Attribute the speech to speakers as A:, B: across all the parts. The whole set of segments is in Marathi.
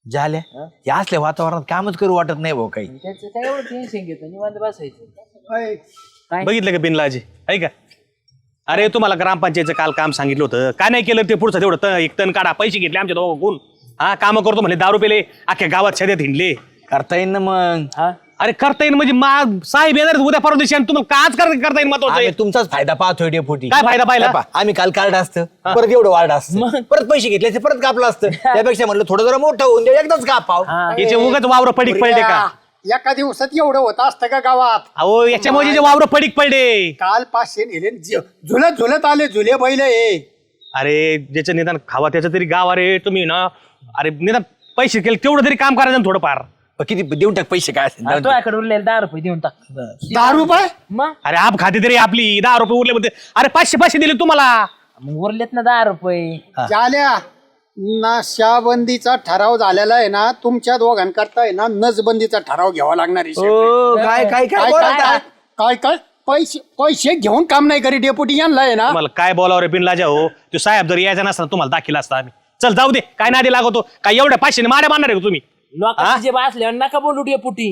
A: झाल्या या असल्या वातावरणात कामच करू वाटत नाही भाऊ काही.
B: त्याचं काय एवढं टेन्शन घेतो निवांत बसायचं. काय
C: बघितलं का बिनलाजी ऐका अरे तुम्हाला ग्रामपंचायतचं काल काम सांगितलं होतं काय नाही केलं ते पुढचं तेवढं एक तण काढा पैसे घेतले आमच्या दोघं हा काम करतो म्हणजे दारू पेले अख्ख्या गावात छेद्यात हिंडले.
A: करता येईल ना मग.
C: अरे करता येईल म्हणजे साहेब येणार उद्या परवा दिवशी आणि तुम्हाला काच करता येईल महत्वाचं
A: आम्ही तुमचाच फायदा पाहतोय डेपुटी.
C: काय फायदा पाहिला
A: आम्ही काल कार्ड असतं परत एवढं वाढ असतं परत पैसे घेतले परत कापलं असतं त्यापेक्षा म्हणलं थोडं जरा मोठं होऊन दे एकदाच कापाव.
C: याचे उगाच वावर पडीक पडले का
D: एका दिवसात एवढं होत असतं का गावात?
C: अहो याच्यामुळे वावर पडीक पडले
D: काल 500 नेले झुलत झुलत आले झुले बैल हे.
C: अरे ज्याचं निदान खावा त्याचं तरी गाव अरे तुम्ही ना अरे निदान पैसे केले तेवढं तरी काम करायचं थोडंफार.
A: किती देऊन टाक पैसे काय असेल
B: तो याकडे उरलेले 10 रुपये देऊन टाक.
D: 10 रुपये?
B: मग
C: अरे आप खाते तरी आपली 10 रुपये उरले म्हणते अरे 500 दिले तुम्हाला.
B: मग उरलेत ना 10 रुपये.
D: झाल्या नशाबंदीचा ठराव झालेला आहे ना तुमच्या दोघांकरता आहे ना नसबंदीचा ठराव घ्यावा लागणार आहे.
A: काय काय काय
D: काय काय काय पैसे पैसे घेऊन काम नाही करी डेपुटी यांना आहे ना.
C: तुम्हाला काय बोलावं रे बिनलाजा हो तो साहेब जर यायचा नसता तुम्हाला दाखिला असता आम्ही. चल जाऊ दे काय नादी लागतो काय एवढ्या 500 माऱ्या मारणार आहे का तुम्ही.
B: लोकांचे जे बसल्यावर नका बोलू डेपुटी.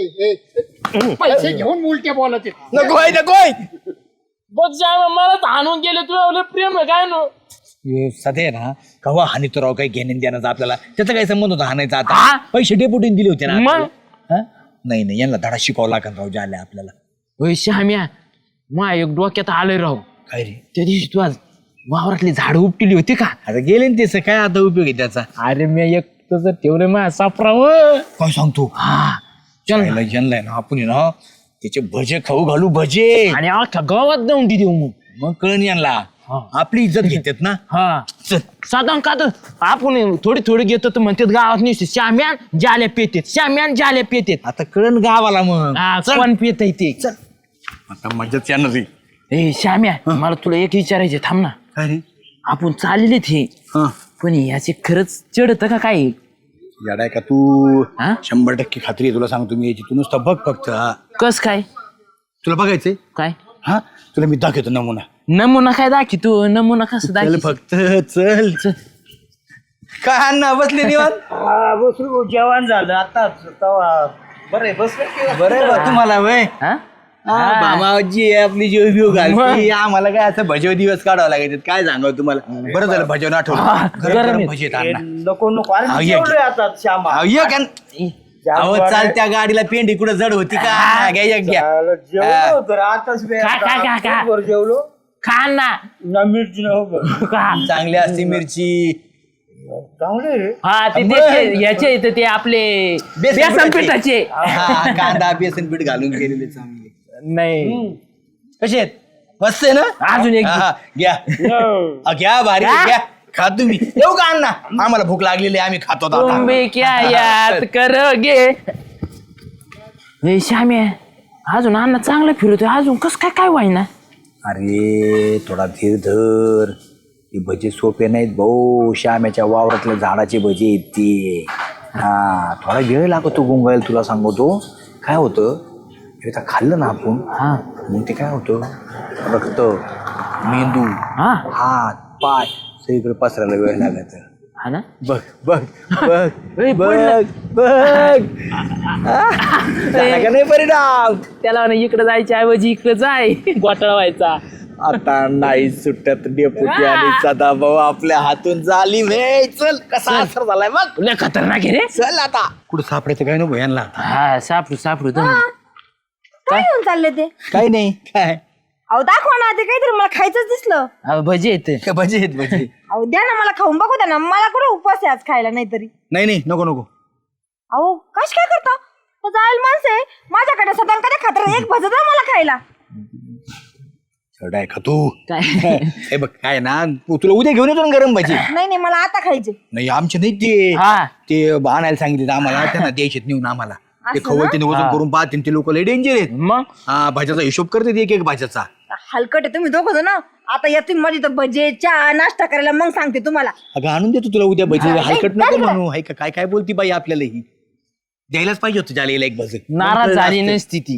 D: पैसे घेऊन उलटे बोलत आहेत.
A: नकोय नकोय
B: बघ जा मला तर हाणून गेले तुला प्रेम आहे काय नो.
A: सध्या ना कवा हानी तो राव काही घेणे देण्याचा आपल्याला त्याचा काही संबंध होता हाणायचा आता पैसे डेपुटीने दिले होते ना
B: मग?
A: आपल्याला. नाही नाही यांना धडा शिकावं लागेल राव झाल्या आपल्याला.
B: होय श्याम्या मा एक डोक्यात आलोय राव.
A: काय रे
B: त्या दिवशी तू आज वावरातली झाडं उपटिली होती का?
A: आता गेले ना त्याचं काय आता उपयोग आहे त्याचा.
B: अरे मी एक तसं ठेवलं माझ्या सापरावर.
A: काय सांगतो
B: हा चल ना.
A: जनलाय ना आपण ना त्याचे भजे खाऊ घालू भजे
B: आणि अख्ख्या गावात जाऊन देऊ मग.
A: मग कळण यांना आपली इज्जत घेतात ना.
B: हा
A: चल
B: साधारण का तर आपण थोडी थोडी घेतो तर म्हणतात गावात निसते श्याम्यान जाल्या पेतेत श्याम्यान जाल्या पेतेत.
A: आता कळण गावाला मग
B: कोण पेत ते.
A: आता मजाच येणार रे.
B: ए श्याम्या मला तुला एक विचारायचे थांब ना.
A: काय रे
B: आपण चाललेले हे पण याचे खरंच चढत का काय?
A: याडाय का तू
B: हा?
A: 100% खात्री आहे तुला सांगतो मी याची. तू नुसतं बघ फक्त.
B: कस काय
A: तुला बघायचंय
B: काय
A: हा तुला मी दाखवतो नमुना.
B: नमुना काय दाखी तू नमुना कसं
A: चल
B: दाखी
A: फक्त चल. काय अण्णा बसले निवांत.
E: बसू जेवण झालं आता बरं बसलं.
A: बरं आहे बा तुम्हाला वय
B: हा?
A: मामाजी आपली जीव बिव घालते आम्हाला काय असं भजव दिवस काढावं लागायचं काय सांगावं तुम्हाला. बरं झालं भजवून आठवलं. गरम गरम भजी आहेत अण्णा.
E: नको नको अरे
A: हा,
E: मी
A: ये,
E: जेवलोय आता श्यामा.
A: अहो, ये का अहो चालत्या गाडीला पेंडी कुठं जड होती का घ्या एक घ्या.
E: जेवलो होतो रे, आताच
B: खा.
E: वर जेवलो
B: खा ना
E: ना मिरची नको
B: खा.
A: चांगली असती मिरची.
E: चांगले रे.
B: हा ते याचे इथं ते आपले बेसन पिठाचे.
A: हा, कांदा बेसन पीठ घालून केलेले चांगले.
B: नाही
A: कसे आहेत मस्त आहे ना.
B: अजून एक
A: हा, घ्या घ्या भारी आहे, घ्या खा तुम्ही. येऊ का अण्णा आम्हाला भूक लागलेली आहे, आम्ही खातो आता.
B: तुम भी क्या याद करोगे. श्याम्या अजून अण्णा चांगलं फिरतोय अजून कस काय काय व्हायना.
A: अरे थोडा धीर धर. हे भजे सोपे नाहीत भाऊ. श्याम्याच्या वावरातल्या झाडाचे भजे आहेत ते. हा थोडा वेळ लागतो गुंगायला तुला सांगतो. काय होतं एकदा खाल्लं ना आपण
B: हा
A: मग ते काय होतं रक्त मेंदू
B: हा
A: हात पाय सगळीकडे पसरायला वेळ लागत.
B: हा ना.
A: बघ बघ बघ
B: ए,
A: बघ बघ झाला का नाही परिणाम.
B: त्याला म्हणा इकडे जायच्या ऐवजी इकडे जाय घोटाळा व्हायचा.
A: आता नाही सुट्ट्यात डेपुटी आणि सदाभाऊ आपल्या हातून झाली मे. चल कसा असर झालाय मग.
B: लय खतरनाक आहे रे.
A: चल आता कुठं सापडायचं काय नको यांना.
B: हा सापडू दम.
F: काय घेऊन चालले ते?
A: काही नाही काय
F: अहो दाखवा ना ते काहीतरी मला खायचंच दिसलं.
B: भजी येते
A: काय भजे आहेत भजे.
F: अहो द्या ना मला खाऊन बघू द्या ना. मला कुठं उपवास आहे आज खायला नाहीतरी.
A: नाही नको नको.
F: अहो कश काय करता तो जायल माणसं आहे माझ्याकडे सदान कधी खातर एक भज द्या मला खायला.
A: चढाय का तू.
B: काय
A: हे बघ काय ना तुला उद्या घेऊन येतो ना गरम भजी.
F: नाही मला आता खायचे.
A: नाही आमचे नाही ते
B: हा
A: ते आणायला सांगितले आम्हाला त्यांना द्यायचे नेऊन आम्हाला. ते
F: असं
A: खवळते वजन करून पाहते ते लोक लय डेंजर आहेत.
B: मग
A: हा भाज्याचा हिशोब करते एक भाज्याचा.
F: हलकट आहे तुम्ही दोघं जण. आता या तुम्ही माझी तर भजे चहा नाश्ता करायला मग सांगते तुम्हाला.
A: अगं आणून देतो तुला उद्या भजी.
F: हा,
A: हलकट
F: नाही,
A: नको
F: काय
A: म्हणू. हाय का काय काय बोलती बाई आपल्याला ही द्यायलाच पाहिजे होतं जालेला एक भज.
B: नाराज झाली नसती ती.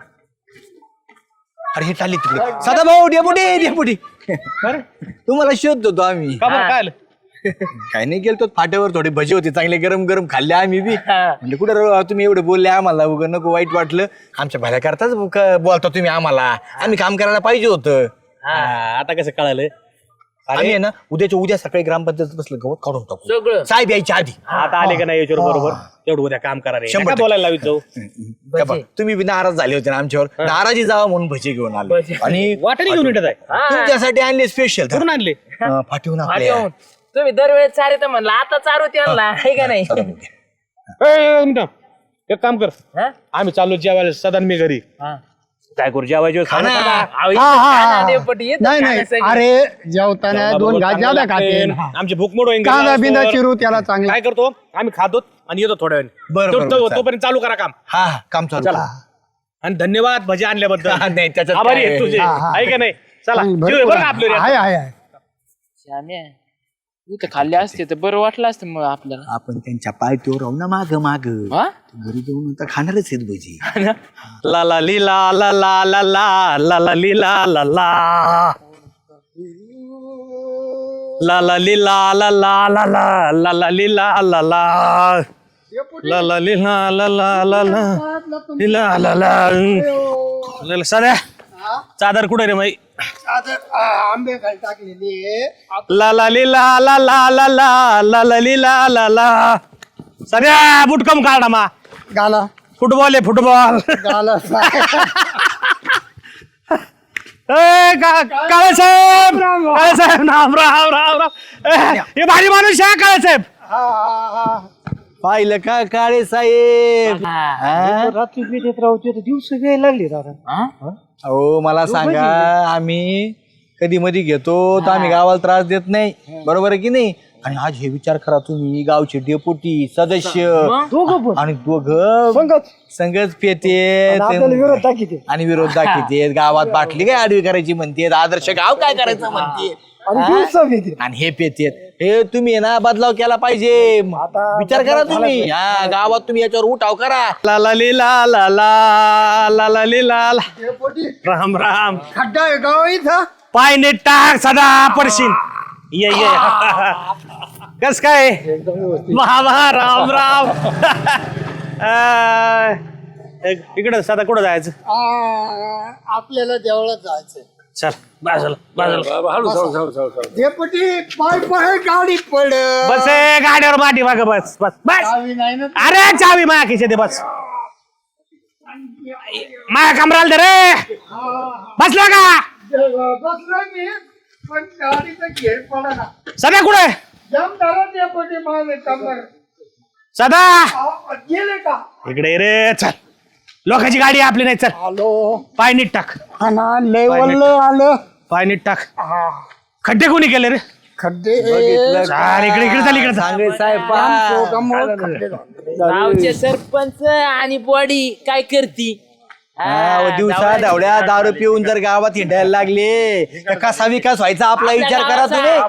A: अरे हे चालले तिकडे सदा भाऊ डेपुटी तुम्हाला शोधतो तो आम्ही.
C: का बरं काय आलं?
A: काही नाही गेलतो फाट्यावर थोडे भजी होते चांगले गरम गरम खाल्ले आम्ही बी म्हणजे कुठं तुम्ही एवढे बोलले आम्हाला उगं नको वाईट वाटलं आमच्या भल्या करताच बोलता तुम्ही आम्हाला आम्ही काम करायला पाहिजे होतं.
C: आता कसं कळालं?
A: आम्ही आहे ना उद्या सकाळी ग्रामपंचायत बसलं गवत काढून टाकू
B: सगळं
A: साहेब यायच्या आधी.
C: आता आले का नाही याच्यावर बरोबर तेवढं उद्या काम करा रे.
A: 100%
C: नका बोलायला लावित जाऊ.
A: का बा, तुम्ही बी नाराज झाले होते ना आमच्यावर नाराजी जावा म्हणून भजी घेऊन आले आणि
C: वाटणी घेऊन येतात आहे.
A: तुमच्यासाठी आणले स्पेशल
C: कुठून आणले?
A: फाटीहून आपल्या.
B: पाठवून. तुम्ही दरवेळेस चारे तर म्हणला आता चारू त्यांना आहे का नाही?
C: ए, मिनिटं. एक काम कर
B: हा?
C: आम्ही चाललो जेवायला सदान मी घरी
B: हा.
C: काय करू जेवायचं
A: खाना.
B: अहो,
D: हा, हा.
B: खाना देवपटी येतं
D: नाही
B: खाणं
D: नाही
B: सगळं.
D: अरे जेवताना दोन घास ज्यादा खाते
C: आमची भूक मोड होईल
D: कांदा बिंदा चिरू त्याला चांगला.
C: काय करतो आम्ही खातो आणि येतो थोड्या
A: बरं,
C: वेळ
A: बरं, चालेल.
C: तोपर्यंत चालू करा काम.
A: हा काम चालू
C: चला. आणि धन्यवाद भजी आणल्याबद्दल.
A: नाही त्याच्यात
C: आभारी
A: काय
C: आहे तुझे
D: हा, हा.
C: आहे का नाही? चला
D: भरपूर
C: जेवूया बरं का आपलं रे.
D: आहे आहे आहे.
B: श्याम्या, इथं खाल्ले असते तर बरं वाटलं असतं मग आपल्याला.
A: आपण त्यांच्या पायथ्यावर राहू ना माग माग
B: हा?
A: घरी जाऊन आता खाणारच आहेत भजी.
C: ला ला ली ला ला ला ला ला ला ला ली ला ला ला ला ला ली ला ला ला ला ला ला ला ली ला ला ला ला ला ली ला ला ला ला ला ली ला ला ला. साध्या चादर कुठे रे माई?
D: आंबे खाली टाकलेली
C: ला ला ली ला ला ला ला ला ला ला ली ला ला ला. साध्या बुटकम काढा मा.
D: गाला
C: फुटबॉल आहे फुटबॉल.
D: गाला
C: काळे साहेब काळे साहेब राम राम राम राम. हे भारी माणूस आहे काळे साहेब.
A: पाहिलं का काळे साहेब?
E: रात्री पेटेत राहते दिवस घ्यायला लागले दादा.
A: हो मला सांगा आम्ही कधी मधी घेतो तर आम्ही गावाला त्रास देत नाही बरोबर आहे की नाही? आणि आज हे विचार करा तुम्ही गावचे डेपुटी सदस्य आणि दोघं संगच पेते आणि विरोध दाखवते गावात बाटली काय आडवी करायची म्हणते आदर्श गाव काय करायचं म्हणते आणि हे पेतेत हे तुम्ही ना बदलाव केला पाहिजे विचार करा तुम्ही हा गावात तुम्ही याच्यावर उठाव करा.
C: ला ला ली ला ला ला ला ला ली ला ला. राम राम.
D: खड्डा आहे गाव इथं.
C: पाय नीट टाक सदा पडशील. ये ये कस काय महा राम राम. इकडं सदा कुठं जायचं?
D: आपल्याला देवळात जायचंय.
C: चल बाजूला बाजूला.
D: डेपुटी पाय पाय गाडी पड.
C: बस ए, गाडीवर माटी माग बस बस बस.
D: नाही ना
C: अरे चावी माया खिशे दे बस. माया कमराला दे रे. बसला का?
D: बसलोय मी पण गाडीचा घेर पडा ना.
C: सदा कुठे?
D: जमदारा डेपुटी माझे कमर
C: सदा
D: गेले का?
C: इकडे ये रे. चल लोकांची गाडी आहे, आपली नाही. चल
D: हॅलो
C: पाय नीट टाक.
D: हा ना लेवल आलं.
C: पाय नीट टाक. खड्डे कोणी केले रे?
D: खड्डे
C: चाल इकडे इकडे चाल इकडे चाल.
A: सांगे साहेब
D: खड्डे झाले.
B: गावचे सरपंच आणि बॉडी काय करती?
A: दिवसा धावड्या दारू पिऊन जर गावात हिंडायला लागले तर कसा विकास व्हायचा आपला विचार करा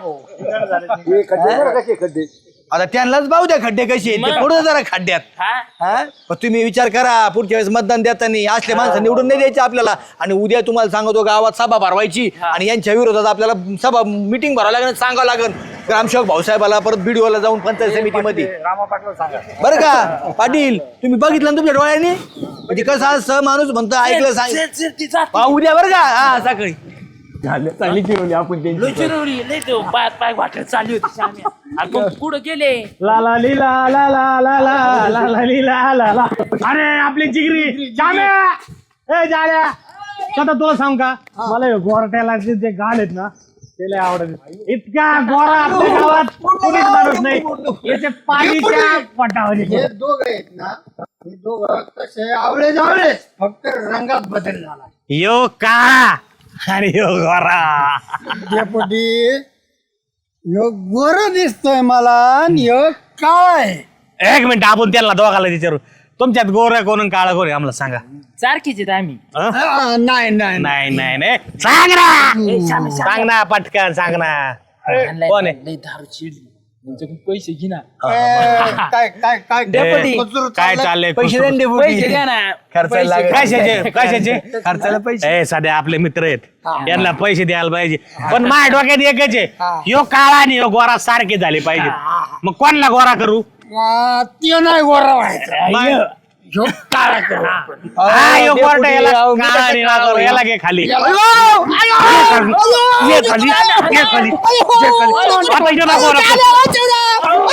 A: तुम्ही. आता त्यांनाच पाहू द्या खड्डे कसे आहेत ते पुढे जरा खड्ड्यात. हा? पण तुम्ही विचार करा पुढच्या वेळेस मतदान देताना असले माणसं निवडून नाही द्यायचे आपल्याला. आणि उद्या तुम्हाला सांगतो गावात सभा भरवायची आणि यांच्या विरोधात आपल्याला सभा मिटिंग भरावं लागेल सांगावं लागेल ग्रामसेवक भाऊसाहेबाला परत बीडीओला जाऊन पंचायत समितीमध्ये बरं का? पाटील तुम्ही बघितलं ना तुमच्या डोळ्यांनी म्हणजे कसं असं माणूस म्हणतो ऐकलं सांग उद्या बरं का? हा सकाळी चांगली चिरवली आपण
B: पाय पाय वाटत चालली होती श्याम्या. आपण पुढे गेले.
C: ला ला ली ला ला ला ला ला ला ला ली ला ला ला. अरे आपली जिगरी जाम्या ए जाल्या. आता तुला सांग का मला हे गोरट्याला जे गाल आहेत ना ते लय आवडत. इतका गोरा आपल्या गावात कोणीच माणूस नाही. याचे पाणीच्या पटावर
D: हे दोघं आहेत ना हे दोघं तसे आवळे जावळे फक्त रंगात बदल झाला.
C: यो का आणि यो गोरा.
D: डेपुटी ह्यो गोर दिसतोय मला आणि ह्यो काय
C: एक मिनिट आपण त्यांना दोघाला विचारू तुमच्यात गोर कोण काळा कोण आम्हाला सांगा.
B: सारखीच आहेत आम्ही.
D: नाही नाही
C: नाही नाही नाही सांग ना सांग ना पटकन सांग ना. कोण आहे?
B: लय दारू चिडली. त्यांच्याकडून पैसे घे ना.
D: काय काय काय
E: डेपुटी,
D: मजूर
E: काय
D: चाललंय?
E: चाललंय
A: पैसे दे ना
E: पैसे
A: डेपुटी.
E: द्या ना.
A: खर्चाला
E: पैसे-
A: लागेल.
E: कशाचे
A: खर्चाला पैसे.
E: ए सध्या आपले मित्र आहेत यांना पैसे द्यायला पाहिजे पण माझ्या डोक्यात एकच आहे यो काळा आणि यो गोरा सारखे झाले पाहिजे मग कोणला गोरा करू
D: ते नाही गोरा व्हायचं ह्यो काळा करू आपण.
E: हा, यो
A: डेपुटी,
E: गोरटा याला
A: अहो, मी
E: काळा
A: कसं
E: आणि
A: काळा
E: नागोरा,
A: होईल?
E: याला घे खाली
D: याला-
E: ये खाली, ये खाली, ये खाली. आता इथं ना गोरा करू.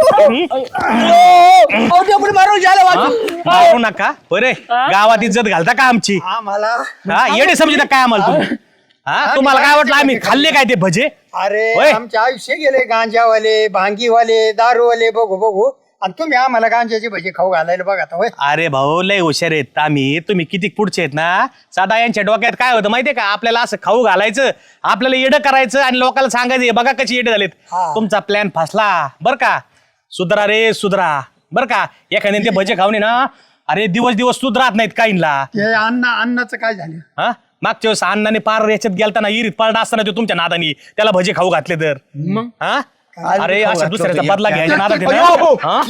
E: मारू नका बरे गावात इज्जत घालता का आमची
D: आम्हाला
E: हा येडे समजता काय आम्हाला तुम्ही हा तुम्हाला काय वाटलं आम्ही खाल्ले काय ते भजे
D: अरे
E: होय.
D: आमचे आयुष्य गेले गांजावाले भांगीवाले दारूवाले बघू बघू आणि तुम्ही आम्हाला गांजाचे भजी खाऊ घालायला बघा आता, होय.
E: अरे भाऊ लय हुशार आहेत आम्ही तुम्ही किती पुढचे आहेत ना साधा यांच्या डोक्यात काय होतं माहितीये का आपल्याला असं खाऊ घालायचं आपल्याला येडं करायचं आणि लोकांना सांगायचं "हे बघा कशी येडे झालेत
D: हा.
E: तुमचा प्लॅन फसला बर का सुधरा रे सुधरा बर का एखाद्याने ते भजे खाऊन आहे ना अरे दिवस दिवस सुधरात नाहीत काहींना
D: ते अन्नाचं काय झालं
E: हा मागच्या वेळेस अण्णाने पार याच्यात गेलता ना इरीत पडला असताना तो तुमच्या नादानी त्याला भजे खाऊ घातले तर हा अरे अशा दुसऱ्याचा बदला घ्यायचा नादात आहे ना? हा?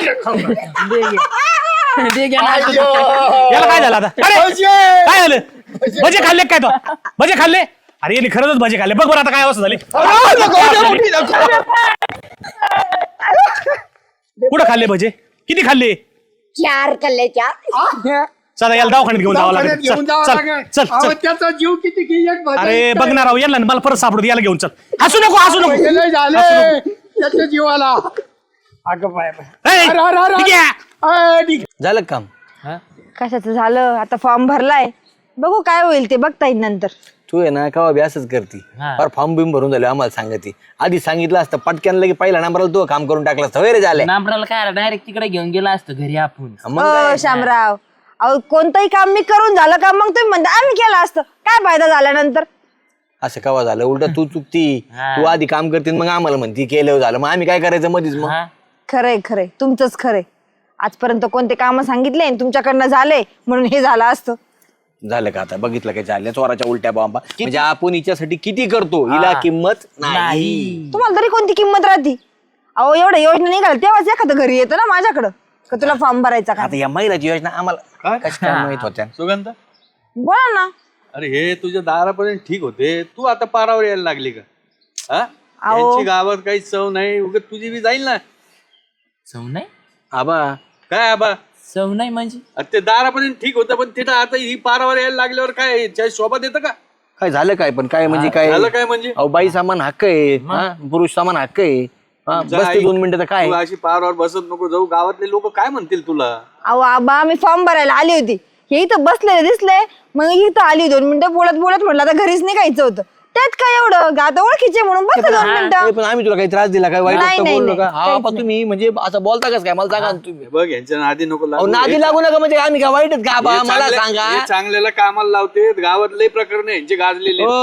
E: याला काय झालं आता अरे, काय झालं भजे खाल्ले काय तो भजे खाल्ले अरे यांनी खरंच भजे खाल्ले बघ बरं आता काय अवस्था झाली कुठं खाल्ले भजे किती खाल्ले
F: 4 कल्ले 4.
E: चला याला दवाखान्यात घेऊन जावं लागेल
D: घेऊन जावं
E: चल
D: लागेल.
E: चल चल
D: अहो,
E: चल
D: त्याचा जीव किती किंमत भजी
E: अरे
D: काय?
E: बघणार आहो याला ना, मला परत सापडतो याला घेऊन चल हसू नको हसू नको
D: हे लय झाले त्याच्या जीवाला अगं बाय बाय.
E: ए,
D: अरे, अरे, अरे,
E: ठीक आहे.
D: अरे, ठीक आहे.
A: झालं का काम
F: कशाचं झालं आता फॉर्म भरलाय बघू काय होईल ते बघता येईल नंतर.
A: तू आहे ना का बी असंच करती फार फॉर्म बिम भरून झाले आम्हाला सांगते आधी सांगितलं असतं पटक्यान लगे पहिला नंबरला तू काम करून टाकलं असतं होय रे झालं
B: नांबराला काय डायरेक्ट तिकडे घेऊन गेला असतो घरी आपण.
A: मग काय?
F: शामराव अहो कोणतंही काम मी करून झालं का मग तुम्ही म्हणता आम्ही केलं असतं काय फायदा झाल्यानंतर.
A: असं कवा झालं उलट तू चुकती तू आधी काम करते मग आम्हाला म्हणती केलं झालं मग आम्ही काय करायचं मधीच मग
F: खरंय खरंय तुमचंच खरंय. आजपर्यंत कोणते काम सांगितले आणि तुमच्याकडनं झाले म्हणून हे झालं असतं.
A: झालं का आता बघितलं काय झालं चोराच्या उलट्या बॉम्बा म्हणजे आपण हिच्यासाठी किती करतो हिला किंमत नाही
F: तुम्हाला तरी कोणती किंमत राहते. अहो एवढ्या योजना निघाल तेव्हाच एखादं घरी येतं ना माझ्याकडं का तुला फॉर्म भरायचा का.
A: आता या महिलाची योजना आम्हाला कशा काय माहित होत्या
G: सुगंध
F: बोला ना.
G: अरे हे तुझ्या दारापर्यंत ठीक होते तू आता पारावर यायला लागली का हा
F: अहो.
G: यांची गावात काही चव नाही उगत तुझी बी जाईल ना
B: सव नाही
A: आबा
G: काय आबा
B: सव नाही म्हणजे
G: अरे ते दारापर्यंत ठीक होतं पण तिथं आता ही पारावर यायला लागल्यावर काय त्या शोभा देतं का
A: काय झालं काय पण काय म्हणजे काय
G: झालं काय म्हणजे
A: अहो बाई सामान हक्क आहे हा? पुरुष सामान हक्क आहे हा,
G: जा
A: बसते
G: आई.
A: 2 मिनिटं तर काय
G: तू अशी पारावर बसत नको जाऊ गावातले लोक काय म्हणतील तुला
F: अहो आबा मी फॉर्म भरायला आली होती हे इथं बसलेले दिसले मग इथं आली 2 मिनिटं बोलत बोलत म्हटलं आता घरीच निघायचं होतं त्यात काय एवढं आता ओळखीचे म्हणून बसले 2 मिनिटं.
A: ए, पण आम्ही तुला काही त्रास दिला काय वाईट
F: नाही,
A: वाटतं
F: नाही,
A: बोललो का
F: नाही,
A: हा
F: काहीच
A: पण तुम्ही म्हणजे असं बोलता कस काय मला सांगा ना तुम्ही
G: हे बघ यांच्या नादी नको
A: अहो,
G: लागू.
A: नादी
G: हे
A: लागू नका म्हणजे आम्ही काय वाईटच का आबा
G: हे
A: मला
G: चांगल्या-
A: सांगा
G: हे चांगल्याला कामाला लावते गावात लय प्रकरण यांचे गाजलेले
A: ओ,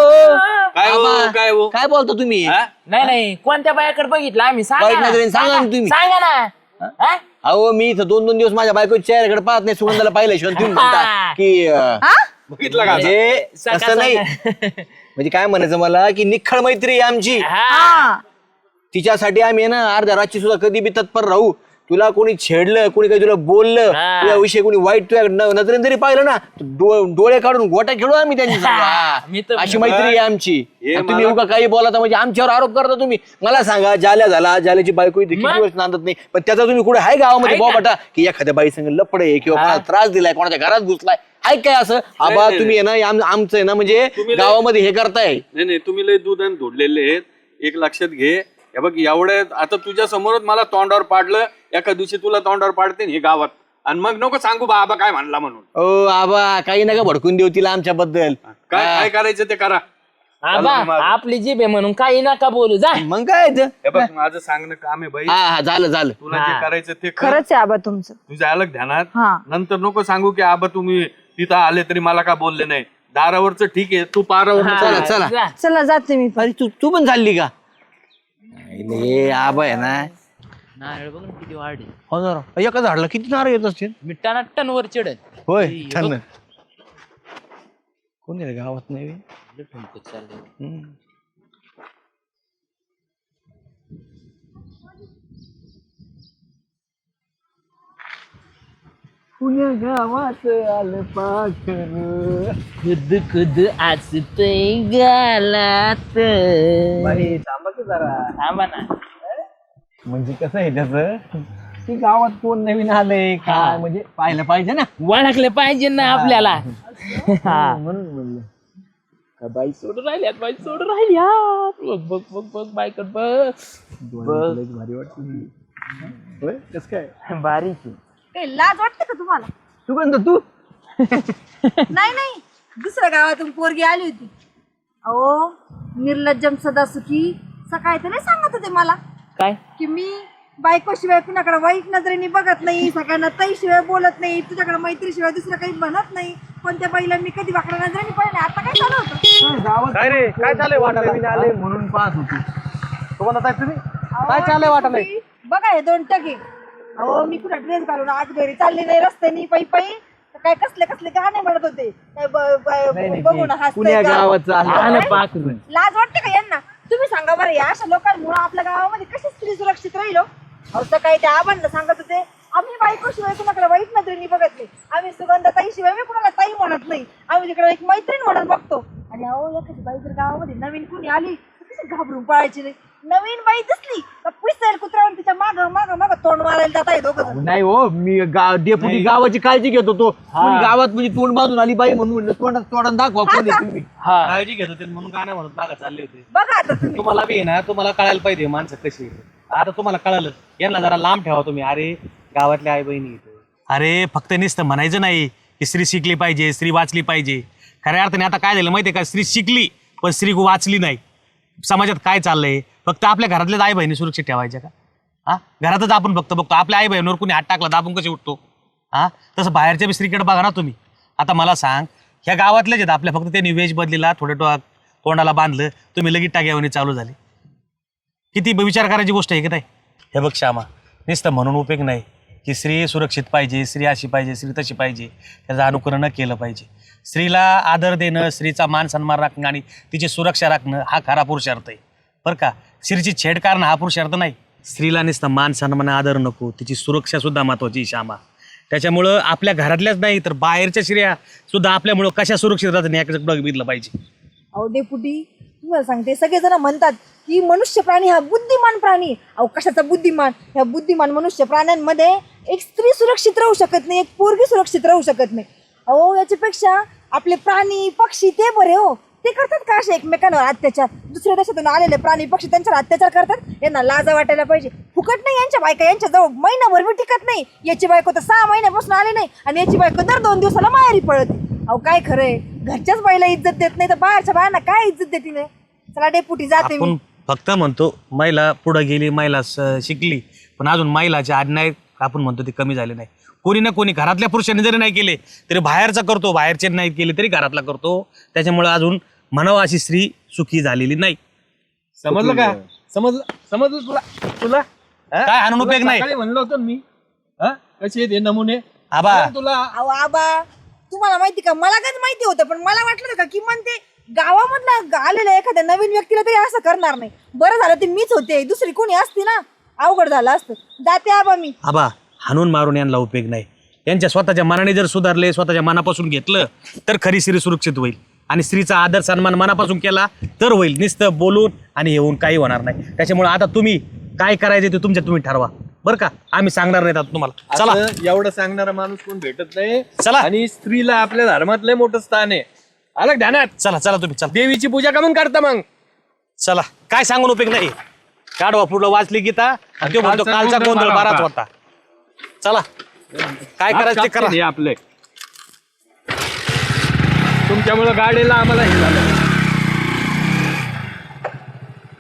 G: काय हो,
A: आबा,
G: काय हो?
A: काय बोलता तुम्ही
G: हा?
B: नाही नाही कोणत्या बायाकडे बघितलं आम्ही सांगा
A: वाईट
B: ना.
A: नजरेने सांगा ना तुम्ही.
B: सांगा ना हा?
A: अहो मी इथं 2-2 दिवस माझ्या बायकोच्या चेहऱ्याकडे पाहत नाही सुगंधाला पाहिल्याशिवाय तुम्ही म्हणता की
G: बघितलं का
A: म्हणजे तसं नाही म्हणजे काय म्हणायचं मला की निखळ मैत्री आहे आमची
F: हा
A: तिच्यासाठी आम्ही आहे ना अर्ध्या रातची सुद्धा कधी बी तत्पर राहू तुला कोणी छेडलं कोणी काही तुला बोललं
B: हा.
A: तुझ्याविषयी कोणी वाईट तुझ्या नजरेने जरी पाहिलं ना तर डोळे काढून गोटा खेळू आम्ही त्यांची संग. हा.
B: मी तर-
A: अशी मैत्री आहे आमची
G: हे
A: आणि तुम्ही उगा काही बोलाता म्हणजे आमच्यावर आरोप करता तुम्ही मला सांगा जाल्या झाला जाल्याची बायको इथे किती वर्ष नांदत नाही पण त्याचा तुम्ही कुठे आहे गावामध्ये बोबाटा की एखाद्या बाई संग लपडे किंवा कोणाला त्रास दिलाय कोणाच्या घरात घुसलाय आहे काय असं आबा
G: नाही,
A: तुम्ही आहे ना आमचं आहे ना म्हणजे
G: तुम्ही लय-
A: गावामध्ये हे करताय
G: नाही नाही तुम्ही लय दूध आणि धोडलेले आहेत एक लक्षात घे हे बघ एवढ्या आता तुझ्या समोरच मला तोंडावर पाडलं एका दिवशी तुला तोंडावर पाडते हे गावात आणि मग नको सांगू बाबा काय म्हणला म्हणून
A: ओ आबा काही नका भडकून देऊ तिला आमच्याबद्दल
G: काय काय करायचं ते करा
B: आबा आपली जीभ आहे म्हणून काही नका बोलू जा
A: मग काय ते?
G: हे बघ माझं सांगणं काम आहे बाई
A: हा हा झालं झालं
G: तुला जे करायचं ते कर
F: खरंच आहे आबा तुमचं.
G: तुझ्या अलग ध्यानात
F: हा.
G: नंतर नको सांगू की आबा तुम्ही तिथं आले तरी मला का बोलले नाही दारावरच ठीक आहे तू पारावर
A: चला चला
B: जा.
F: चला जाते मी.
A: अरे तू पण चालली का हे आबा आहे ना
B: नारळ बघ ना किती वाढले
A: हो ना राव. एका झाडला किती नारळ येत असतील
B: मिठाना टन वर चढत
A: होय छान कोण आहे रे गावात नाही बे?
B: पुण्या गावात आलं पाखर खुद खुद असतंय गालात.
A: थांबा की जरा.
B: थांबा ना.
A: म्हणजे कसं आहे त्याचं की गावात कोण नवीन आलंय काय म्हणजे पाहिलं पाहिजे ना.
B: ओळखलं पाहिजे ना आपल्याला. हा.
A: म्हणून म्हणलं
B: का बाई सोडून राहिल्यात, बाई सोडून राहिल्यात. बघ बघ बघ बघ बायकट बघ.
A: भारी वाटतं. होय कसं काय
B: बारीक
F: काही लाज वाटते का तुम्हाला?
A: सुगंध तू
F: नाही नाही, दुसऱ्या गावातून पोरगी आली होती. अहो निर्लज्जम सदा सुखी. सकाळी तर नाही सांगत होते मला
B: काय
F: की मी बायकोशिवाय कुणाकडे वाईट नजरेने बघत नाही, सगळ्यांना ताईशिवाय बोलत नाही, तुझ्याकडे मैत्रीशिवाय दुसरं काही म्हणत नाही, पण त्या बाईला मी कधी वाकड्या नजरेने पाहिलं. आता काय चालू होतं?
E: काय रे काय चालू
A: आले म्हणून पाहत होती.
E: तुम्हाला तुम्ही
F: काय चाललंय वाटत बघा हे 2 टके. अहो मी कुठे ड्रेस घालून आज घरी चालले नाही रस्त्यानी पायी पायी, तर काय कसले कसले गाणे म्हणत होते. काय बघून हसतंय का?
B: आलं पाखरू.
F: लाज वाटते का यांना? तुम्ही सांगा बरं, या अशा लोकांमुळे आपल्या गावामध्ये कशी स्त्री सुरक्षित राहील? अहो सकाळी त्या आबांना सांगत होते आम्ही बायकोशिवाय कुणाकडे वाईट नजरेने बघत नाही, आम्ही सुगंधाताईशिवाय मी कुणाला ताई म्हणत नाही, आम्ही तिकडे एक मैत्रीण म्हणून बघतो. आणि अहो एखादी बाई जर गावामध्ये नवीन कुणी आली तर कशी घाबरून पळायची नाही. नवीन बाई दिसली तर पिसेल कुत्र्यावर तिच्या माग माग माग तोंड मारायला जात आहे दोघं.
A: नाही हो मी डेपुटी गावाची काळजी घेत होतो. कोणी गावात म्हणजे तोंड बांधून आली बाई म्हणून म्हणलं तोंडात दाखवा कोण आहे तुम्ही.
E: काळजी घेत होते म्हणून गाणं म्हणत मागं चालले होते.
F: बघा आता तुम्ही.
E: तुम्हाला बी आहे ना, तुम्हाला कळायला पाहिजे माणसं कशी आहेत. आता तुम्हाला कळालं, यांना जरा लांब ठेवा तुम्ही. अरे गावातल्या आई बहिणी अरे फक्त नुसतं म्हणायचं नाही की स्त्री शिकली पाहिजे, स्त्री वाचली पाहिजे. खऱ्या अर्थाने आता काय झालं माहितीये का, स्त्री शिकली पण स्त्री वाचली नाही. समाजात काय चाललंय, फक्त आपल्या घरातल्याच आई बहिणी सुरक्षित ठेवायच्या का? हा, घरातच आपण फक्त बघतो आपल्या आई बहिणीवर कुणी हात टाकला तर आपण कसे उठतो. हा, तसं बाहेरच्या बी स्त्रीकडे बघा ना तुम्ही. आता मला सांग, ह्या गावातल्याच आहेत आपल्या, फक्त त्यांनी वेश बदलीला, थोडं तोंडाला बांधलं, तुम्ही लगेच टाक्यावणी चालू झाली. किती विचार करायची गोष्ट आहे की नाही. हे बघ श्यामा, नुसतं म्हणून उपयोग नाही की स्त्री सुरक्षित पाहिजे, स्त्री अशी पाहिजे, स्त्री तशी पाहिजे, त्याचं अनुकरण केलं पाहिजे. स्त्रीला आदर देणं, स्त्रीचा मान सन्मान राखणं आणि तिची सुरक्षा राखणं हा खरा पुरुषार्थ आहे बरं का. स्त्रीची छेड करणं हा पुरुषार्थ नाही. स्त्रीला नुसतं मान सन्मान आदर नको, तिची सुरक्षा सुद्धा महत्वाची श्यामा. त्याच्यामुळं आपल्या घरातल्याच नाही तर बाहेरच्या स्त्रिया सुद्धा आपल्यामुळं कशा सुरक्षित राहतात याकडे बघितलं पाहिजे.
F: अहो डेपुटी तुम्हाला सांगते, सगळेजण म्हणतात की मनुष्य प्राणी हा बुद्धिमान प्राणी. अहो कशाचा बुद्धिमान? ह्या बुद्धिमान मनुष्य प्राण्यांमध्ये एक स्त्री सुरक्षित राहू शकत नाही, एक पोरगी सुरक्षित राहू शकत नाही. अहो याच्यापेक्षा आपले प्राणी पक्षी ते बरे हो. ते करतात का असे एकमेकांवर अत्याचार? दुसऱ्या देशातून आलेले प्राणी पक्षी त्यांच्यावर अत्याचार करतात. यांना लाजा वाटायला पाहिजे. फुकट नाही यांच्या बायका, यांच्या जवळ महिनाभर बी टिकत नाही. याची बायको तर 6 महिन्यापासून आली नाही आणि याची बायको दर 2 दिवसाला माहेरी पळते. अहो काय खरंय, घरच्याच बाईला इज्जत देत नाही तर बाहेरच्या बायांना काय इज्जत देते नाही. चला डेपुटी जाते मी.
E: आपण फक्त म्हणतो महिला पुढे गेली, महिला शिकली, पण अजून महिलाचे अन्याय आपण म्हणतो ते कमी झाले नाही. कोणी ना कोणी घरातल्या पुरुषांनी जरी नाही केले तरी बाहेरचा करतो, बाहेरचे नाही केले तरी घरातला करतो. त्याच्यामुळे अजून म्हणावं अशी स्त्री सुखी झालेली नाही.
G: समजलं का? समजलं तुला
E: काय हाणून उपयोग नाही.
G: सकाळी म्हणलं होतं मी कसे आहेत हे नमुने
E: आबा
G: तुला.
F: अहो आबा तुम्हाला माहिती का, मला काय माहिती होतं पण मला वाटलं का किमान ते गावामधला आलेल्या एखाद्या नवीन व्यक्तीला तरी असं करणार नाही. बरं झालं ते मीच होते, दुसरी कोणी असती ना अवघड झालं असतं. जाते आबा मी.
E: आबा हाणून मारून यांना उपयोग नाही. यांच्या स्वतःच्या मनाने जर सुधारले, स्वतःच्या मनापासून घेतलं तर खरी स्त्री सुरक्षित होईल. आणि स्त्रीचा आदर सन्मान मनापासून केला तर होईल. नुसतं बोलून आणि येऊन काही होणार नाही. त्याच्यामुळे आता तुम्ही काय करायचे ते तुम्ही ठरवा बरं का. आम्ही सांगणार नाहीत आता तुम्हाला. चला
G: असं एवढं सांगणारा माणूस कोण भेटत नाही.
E: चला.
G: आणि स्त्रीला आपल्या धर्मात लय मोठं स्थान आहे. आलं ध्यानात.
E: चला चला तुम्ही चला.
G: देवीची पूजा कमून करता मग.
E: चला काय सांगून उपयोग नाही. काढवा पुढं वाचली गीता आणि तो म्हणतो कालचा गोंधळ बाराच होता. चला काय करायचं ते करा.
G: हे आपले तुमच्यामुळे गाडीला आम्हाला हे झालं.